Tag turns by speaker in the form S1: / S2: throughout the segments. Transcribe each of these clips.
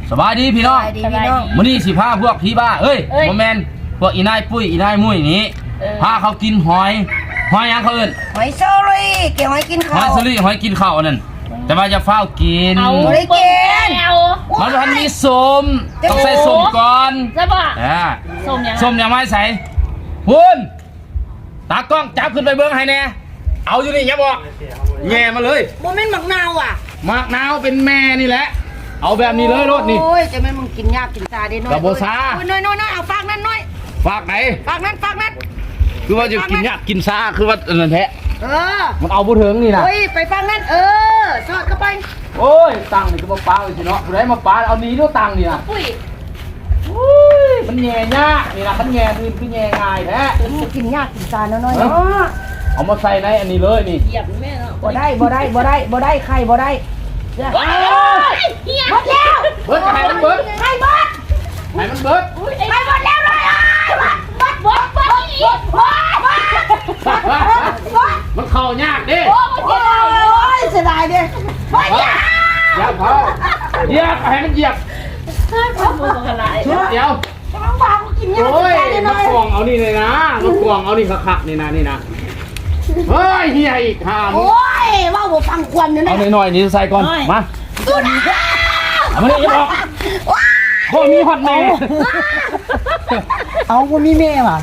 S1: สบายดีพี่น้องมื้อนี้สิพาพวกพี่บ้าเอ้ยบ่แม่นพวกอีนายปุ้ยอีนายมุ้ยนี้พาเขากินหอยหยังเขาเอิ้น
S2: หอยเชอรี่เกี่ยวหอยกินข้าว
S1: หอยเชอรี่หอยกินข้าวนั่นแต่ว่าจะเฝ้ากิน
S2: ไม่ได้กิน
S1: มันทันมีส้มต้องใส่ส้มก่อน
S3: ใช่ป่ะ
S1: ส้มยังไม่ใส่คุณตากล้องจับขึ้นไปเบิ้งให้แน่เอาอยู่นี่อย่าบอกแง่มาเลย
S2: โมเมนต์หมักนาวอ่ะ
S1: หมักนาวเป็นแม่นี่แหละเอาแบบนี้เลยรถนี่
S2: โอ้ยจะไม่มึงกินยากกินซาได้น้อย
S1: กับโบซา
S2: น้อยเอาฝากนั่นน้อย
S1: ฝากไหน
S2: ฝากนั่น
S1: คือว่าจะกินยากกินซาคือว่านั่นแท้มันเอาบุถึงนี่นะ
S2: เฮ้ยไปฝากนั่นทอดเข้าไป
S1: โอ้ยตังนี่ก็มาปลาเลยสิเนาะผู้ใดมาปลาเอานี้ด้วยตังนี่นะ
S3: ปุ้ย
S1: มันแง่ยากนี่นะมันแง่คือแง่ง่ายแท้
S2: กินยากกินซาน้อย
S1: เอามาใส่ในอันนี้เลยนี่
S3: เหยียบแม่เนาะ
S2: บ่ได้ไข่บ่ได้
S3: หมดแล้ว
S1: เบิร์ดไข่มันเบิร์ด
S2: ไข่เบิร์ด
S1: ไข่มันเบิร์ด
S2: ไข่หมดแล้วเลย
S1: มันเข่ายากดิ
S2: โอ้ยเสียดายดิไม่ยาก
S1: อย่าเผาเหยียบให้มันเหยียบเดี๋ยว
S2: น้องบางกินเนี่ย
S1: โอ้ยมากวางเอานี่เลยนะมากวางเอานี่คักๆนี่นะเฮ้ยเฮียอีกห้าม
S2: โอ้ยว่าผมฟังควันเนี่ย
S1: เอาหน่อยนี่ใส่ก่อนมาเอามานี่อย่าบอกพ่อมีหอดแม่
S2: เอาพ่อมีแม่ป่ะ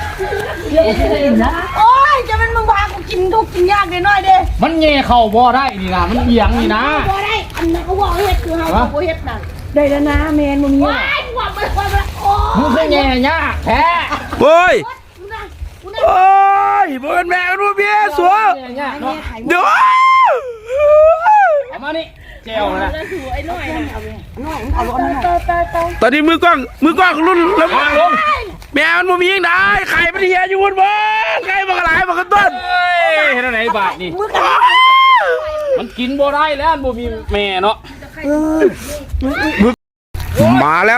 S2: โอ้ยจะเป็นมึงพากูกินทุกกินยากน้อยเด้
S1: มันเง่เข่าบ่ได้นี่นะมันเอียงนี่นะ
S2: บ่ได้อันนั้นเขาบอกเฮ็ดคือเขาบอกเฮ็ดนั่นได้แล้วนะแมนมึงเนี่ย
S1: มึงคือแง่ยากแท้
S4: โอ้ยโอ้ยบ่เป็นแม่กันบ่เบี้ยสัวเดี๋ยว
S1: เอามานี่เจลนะ
S4: ตอนนี้มือกล้องรุ่นแล้วแม่มันบ่มียังได้ไข่มันเฮียอยู่บนบ่ไข่มันกระไรมันกระต้น
S1: เห็นไหนบาทนี่มันกินบ่ได้แล้วบ่มีแม่เนาะ
S4: มาแล้ว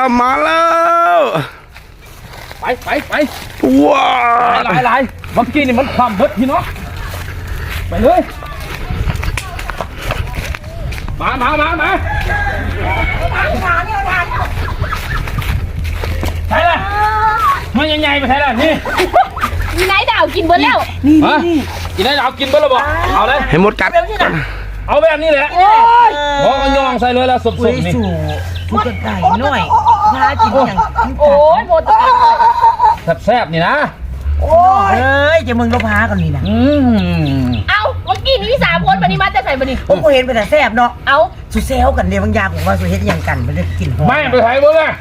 S1: ไป
S4: ว้า
S1: หลายเมื่อกี้นี่มันความเบิดพี่เนาะไปเลยมาใช่เลยมันใหญ่ๆไปใช่เลยนี่
S3: นายดาวกินเบิร์ดแล้ว
S1: นี่กินได้ดาวกินเบิร์ดแล้วบอกเอาเลย
S4: ให้หมดกัด
S1: เอาแบบนี้แหละบอกกันยองใส่เลยแล้วสดๆนี่
S2: พูดไก่หน่อยน่ากินอย่าง
S3: โอ้ยหมด
S1: แซ่บๆนี่นะ
S2: โอ้ยจะมึงก็พากันนี่นะ
S3: เอาเมื่อกี้นี้3 คนวันนี้มาจะใส่บันนี้
S2: ผมก็เห็นไปแต่แซ่บเนาะ
S3: เอา
S2: สุเซลกันเดี๋ยวบางอย่างผมว่าสุเฮ็ดอย่างกันมันจะกินหอม
S1: ไม่ไปถ่ายบ่เลย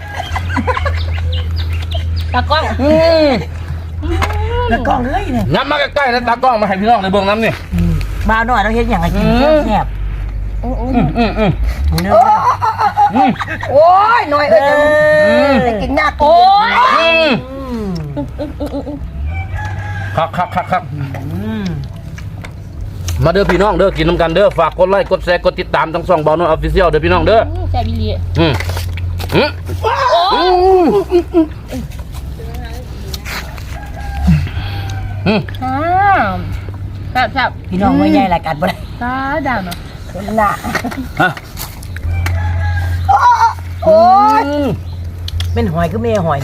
S3: ตากล้อง
S2: ตากล้องเลยเนี่ย
S1: น้ำมาใกล้ๆแล้วตากล้องมาให้พี่น้องในเบื้องน้ำนี่
S2: มาหน่อยเราเฮ็ดอย่างไรกินแซ่บโอ้ยหน่อยจะกินยากโอ้ย
S1: ครับมาเด้อพี่น้องเด้อกินน้ำกันเด้อฝากกดไลค์กดแชร์กดติดตามทั้ง2 เบาโน้ตออฟฟิเชียลเด้อพี่น้องเด้อ
S3: แซ่บอีหลีครับ
S2: พี่น้องไม่ใหญ่รายการบ่ได้
S3: ดาวเนาะ
S2: น่ะโอ้ยเป็นหอยก็ไม่หอย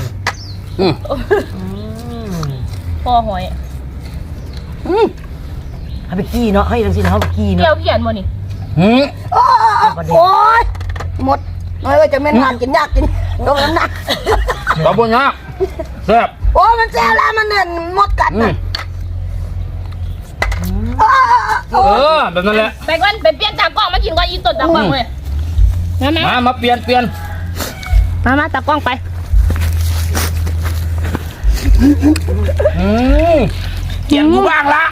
S3: พอหอย
S2: เอาไปกี้เนาะให้ทั้งสิ้นเขาไปกี้เนาะ
S3: เกี่ยวเขียนมานี่
S2: โอ้ยหมดน้อยก็จะไม่ทานกินยากกินตรงนั้นนะ
S1: ตบยากแซ่บ
S2: โอ้มันแซ่บแล้วมันเนี่ยหมดกัด
S1: แบบนั้นแหละ
S3: ไปก่อนไปเปลี่ยนตากล้องมากินก่อนอีต้นตากล้องเลย
S1: มาเปลี่ยน
S3: มาตากล้องไป
S4: เกี่ยงกูบ้างละ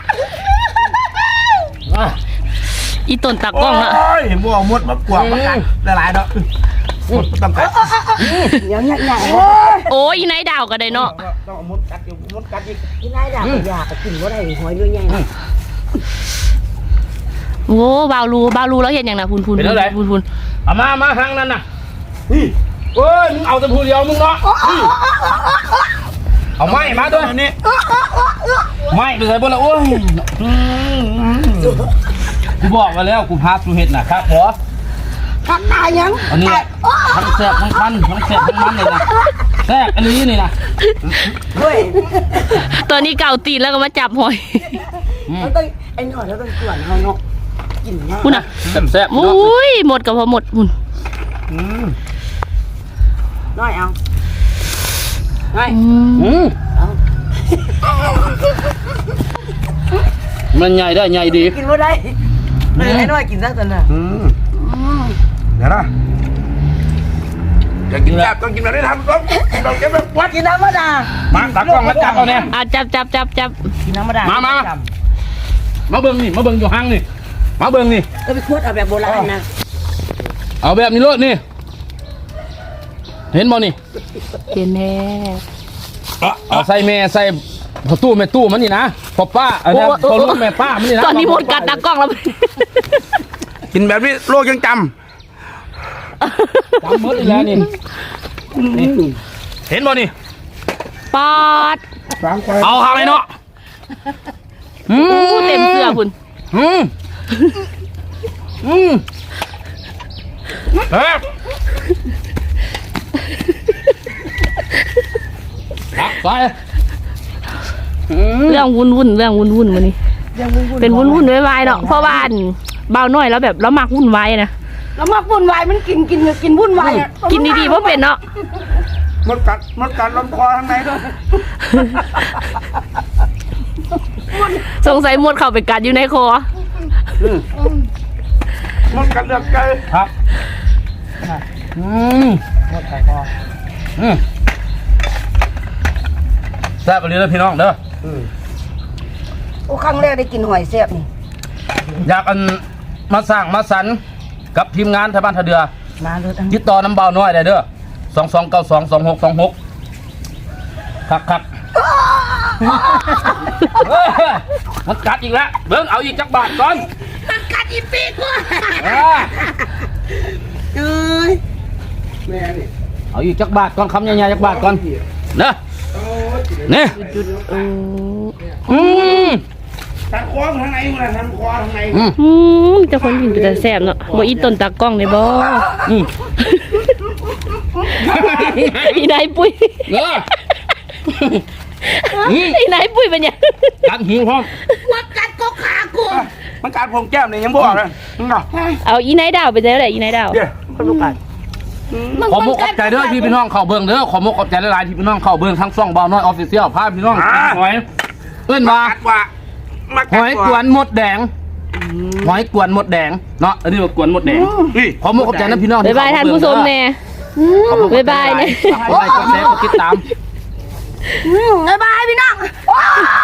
S3: อีต้นตากล้องละ
S4: เห็นบัวมดมากวางมากัดหลายๆเนาะต้องกัด
S2: อย่างเงี้ย
S3: โอ้ยนายดาวก็ได้เนาะ
S4: ต้องมดกัดอีก
S2: ที่นายดาวอยากกินว่าได้หอยเรื่องใหญ่
S3: โอ้บาวรูแล้วเห็นอย่างน่ะพูน
S1: เอามาทางนั้นน่ะเฮ้ยมึงเอาแต่ผู้เดียวมึงเนาะเอาไม้มาด้วยนี่ไม้ไปใส่บนละโอ้ยกูบอกมาแล้วกูพาสุเห็ดน่ะครับหัว
S2: ผักตายยัง
S1: อันนี้ทั้งแซ่บทั้งคันทั้งแซ่บทั้งมันเลยนะแซ่บอันนี้นี่นะ
S2: เฮ้ย
S3: ตัวนี้เก่าตีนแล้วก็มาจับหอย
S2: เราต้องไอ้หน่อยเราต้องกวนเขาเนาะกินเนาะ
S3: คุณอ่ะ
S1: แซ่บๆ
S3: อุ้ยหมดกับพอหมดคุณ
S2: น้อยเอาน้อย เอา
S1: มันใหญ่ได้ใหญ่ดี
S2: กินบ่ได้เลยไอ้น้อยกินซะตอนน่ะ
S4: เดี๋ยวนะอยากกินแบบต้องกินแบบได้ทำต้องต้องเก็บแบบวัด
S2: กินน้ำมะดา
S1: มาตักกล้องมาจับเอาเนี่ย
S3: จับ
S2: กินน้ำมะดา
S1: มา
S2: มา
S1: มาเบิ่งนี่มาเบิ่งอยู่ห้างนี่มาเบิ่งนี่
S2: ก็ไปขวดเอาแบบโบราณนะ
S1: เอาแบบนี้โลดนี่เห็นบ่นี่
S3: เห็นแน่
S1: เอาใส่แม่ใส่พอตู้แม่ตู้มันนี่นะพอป้าอันนี้พอลูกแม่ป้ามันนี่นะ
S3: ตอนนี้หมดกัดตากล้องแล้ว
S4: กินแบบนี้โลกยังจ
S1: จำหมดอีกแล้วนี่นี่เห็นบ่นี่
S3: ปอด
S1: เอาหาเลยเนาะ
S3: เต็มเสื้อคุณ
S1: เฮ้ยไป
S3: เรื่องวุ่นวันนี้เป็นวุ่นไวๆเนาะเพราะว่าเบาหน่อยแล้วแบบแล้วมักวุ่นวายนะ
S2: แล้วมาวุ่นวายมันกินวุ่นวายอะ
S3: กินดีๆเพราะเป็นเนาะ
S4: ำมดกัดลำคอข้างในด้วย
S3: สงสัยหมดเข้าไปกัดอยู่ในคอ
S4: มดกัดเลือดไก่
S1: ครับแซ่บไปเลยพี่น้องเด้อ
S2: โอ้ครั้งแรกได้กินหอยแซ่บนี่
S1: อยากอันมาสร้างมาสรรค์กับทีมงานทางบ้านทะเดือ
S2: มาเลย
S1: ติดต่อน้ำเบาน้อยได้เด้อ22922626ครับมันกัดอีกแล้วเบิ่งเอาอีกจักบาทก่อน
S2: กัดอีปีกว่า
S1: อ่า
S2: เอ้ย
S4: แม่นี่
S1: เอาอีกจักบาทก่อนคำใหญ่ๆจักบาทก่อนเด้อนี่ม
S4: ทางคอทางไหนมันทางคอทางไหน
S3: จะคนกินแต่แซ่บเนาะบ่อีต้นตากล้องเลยบ่อีนายปุ้ย
S1: เออ
S3: อีนายปุ้ยเป็นยัง
S1: กัดหิวพร้อม
S2: ว่ากัดก็ขากู
S4: มันกัดผมแก้มเนี่ยยังบอกเลยนี่เนาะ
S3: เอาอีนายดาวไปได้แหละอีนายดาว
S4: เดี๋ยวคนลูกกัด
S1: ขอมุกขอบใจเด้อพี่น้องเข้าเบิ่งเด้อขอมุกขอบใจหลายๆที่พี่น้องเข้าเบิ่งทั้งช่องเบาน้อยออฟฟิเชียลพาพี่น้องหอยเอิ้นว่า
S4: กัดว่ามา
S1: หอยกวนหมดแดงหอยกวนหมดแดงเนาะอันนี้ว่ากวนหมดแดงขอมุกขอบใจนะพี่น้อง
S3: บ๊ายบายท่านผู้ชมแน่บ๊ายบายเนี่ย
S1: บ๊ายบายกดแชร์กดติดตาม
S2: บ๊ายบายพี่น้อง